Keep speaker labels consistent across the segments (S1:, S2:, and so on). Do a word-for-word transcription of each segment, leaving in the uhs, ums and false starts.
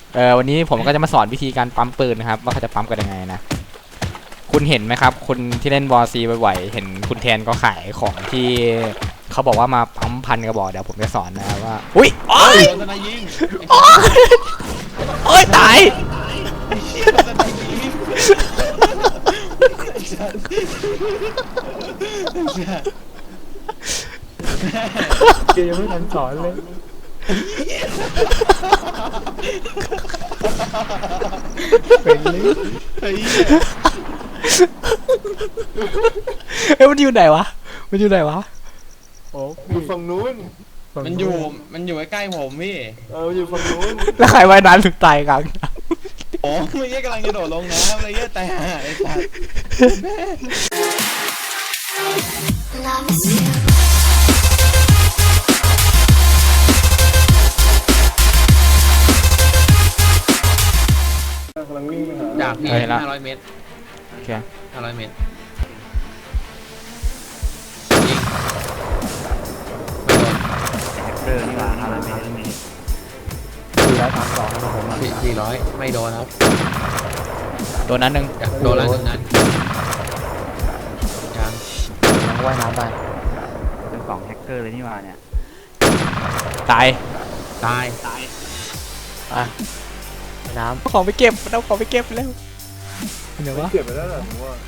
S1: เออวันนี้ผมก็จะมาสอนวิธีการปั๊มปืนนะครับว่าเขาจะปั๊มกันยังไงนะคุณเห็นไหมครับคุณที่เล่นวอร์ซีบ่อยๆเห็นคุณแทนก็ขายของที่เขาบอกว่ามาปั๊มพันกระบอกเดี๋ยวผมจะสอนนะว่าอุ้ยโอ้ยโอ้ยโอ้ยตาย
S2: เกยังไม่ทันสอนเลยเป็นลิ
S1: เอ้ยมันอยู่ไหนวะมันอยู่ไหนวะ
S2: โอ้อยู่ฝั่งนู้น
S3: มันอยู่มันอยู่ใกล้ๆผมพี่
S2: เอออยู่ฝั่งนู้น
S1: แล้วใครว่ายน้ำถึงตายกัน
S3: โอ้ไม่ใช่กำลังจะโดดลงน้ำอะไรเงี้ยแต่ไอ้สัตว์
S2: กำลังวิ่งไปหา
S3: จากพี่ห้าร้อยเมตร
S1: โอเค
S3: ห้าร้อยเมตร
S2: เดินมาห้าร้อยเมตรสี่ร้อยสามสองนะผม
S3: สี่สี่ร้อยไม่โดนครับ
S1: โดนนั้นหนึ่ง
S3: โดนแล้วหนึ่งนั้นยัง
S2: ยังว่ายน้ำไป
S4: เป็นกล่องแฮกเกอร์เลยนี่มาเนี่ย
S1: ตาย
S3: ตาย
S1: ตาย
S2: อ่ะน้ำ
S1: ของไปเก็บเอาของไปเก็บแล้วเดี๋ยววะ
S2: เก็บไปแล้วเหรอผมว่า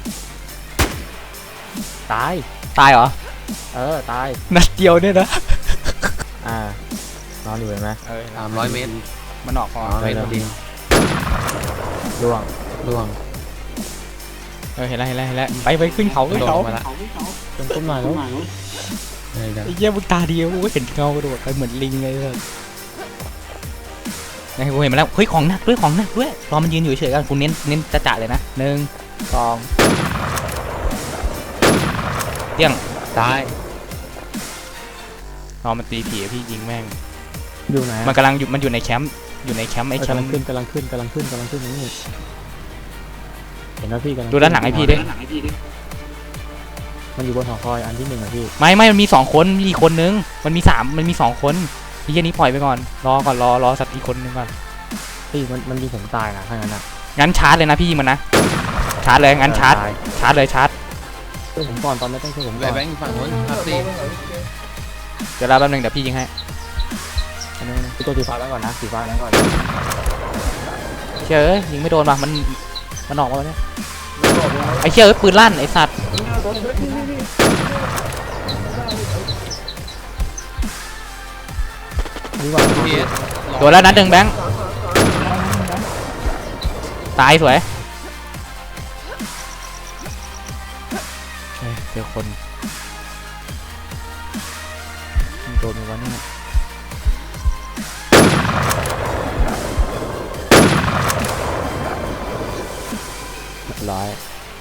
S1: ตายตายเหรอ
S2: เออตาย
S1: นัดเดียวเนี่ยนะ
S2: อ่านอนอยู่เห็นไหม
S3: เออสามร้อยเมตร
S1: มันออกพอ
S3: เลยจริง
S2: ล่วง
S3: ล่วง
S1: เออเห็นแล้วเห็นแล้วเห็นแล้วไปไปขึ้นเขาขึ้นเขา
S3: มาแล้ว
S2: เป็นต้นไม้แล้ว
S1: ไอ้เหี้ยมึงตาดีกูเห็นเงากระโดดไปเหมือนลิงเลยเลยนี่กูเห็นมาแล้วเฮ้ยของหนักด้วยของหนักด้วยรอมันยืนอยู่เฉยกันกูเน้นเน้นจะจ่าเลยนะหนึ่งสองเตี้ยง
S3: ตาย
S1: รอมันตีผีพี่ยิงแม่ง
S2: อยู่ไหน
S1: มันกำลังอยู่มันอยู่ในแคมป์อยู่ในแคมป์ไอ้แคมป์
S2: กำลังขึ้นกำลังขึ้นกำลังขึ้นกำลังขึ้นนี่เห็นไหมพี่กำลัง
S1: ดูด้านหลังไอ้พี่ดิ
S2: มันอยู่บนหอคอยอันที่หนึ่งอะพี่
S1: ไม่ไม่มันมีสองคนมีอีกคนนึงมันมีสามมันมีสองคนพี่แค่นี้ปล่อยไปก่อนรอก่อนรอรอสักอีกคนนึงก่อน
S2: พี่มันมันยิงผมตายนะถ้างั้นอะ
S1: งั้นชาร์จเลยนะพี่ยิงมันนะชาร์จเลยงั้นชาร์จชาร์จเลยชาร์จ
S2: ช่วยผมก่อนตอนไม่ต้องช่วยผมก่
S3: อน
S2: แ
S3: บงค์ฝั่งนู้นครับสิ
S1: เดี๋ยวรอแป๊บนึงเดี๋ยวพี่ยิงให้
S2: พี่ตัวสีฟ้าแล้วก่อนนะสีฟ้าแล้วก่อน
S1: เชื่อยิงไม่โดนว่ะมันมันออกมาแล้วเนี่ยไอ้เชื่อปืนลั่นไอ้สัตว์ตัวแล้วนัดหนึ่งแบงค์ตายสวยเจอคนโดนวะเนี่ยร้อย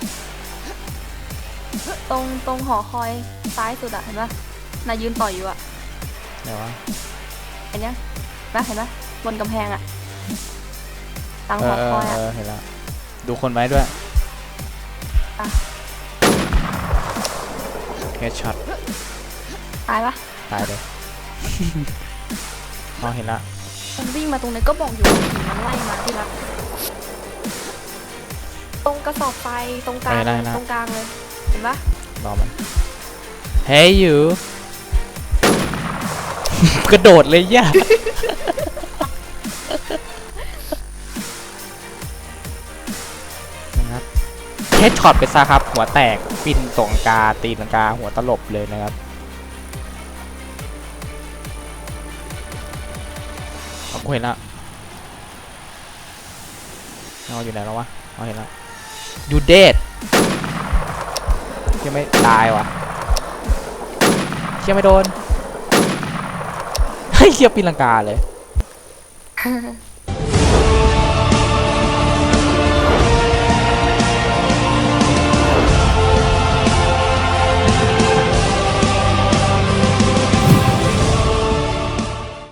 S5: ตรงตรงหอคอยซ้ายสุดอะเห็นปะนายยืนต่อยอยู่อะ
S1: ไหนวะ
S5: เห็นยังนะเห็นปะบนกำแพงอะตังหอคอยอะ
S1: เห็นแล้วดูคนไว้ด้วยแคชช็อต
S5: ตายปะ
S1: ตายเลยอ๋อเห็นละ
S5: มันวิ่งมาตรงนี้ก็บอกอยู่มันไล่มาที่รักตรงกระสอบไฟตรงกลางตรงกลางเลยเห็นปะ
S1: รอมันเฮ้ยอยู่กระโดดเลยย่านะครับเฮดช็อตไปซะครับหัวแตกปินตรงกาตีนกาหัวตลบเลยนะครับเอาเห็นละเอาอยู่ไหนแล้ววะเอาเห็นแล้วยูเดดเชี่ยไม่ตายวะเชี่ยไม่โดนเฮ้ยเชี่ยปีนลังกาเลย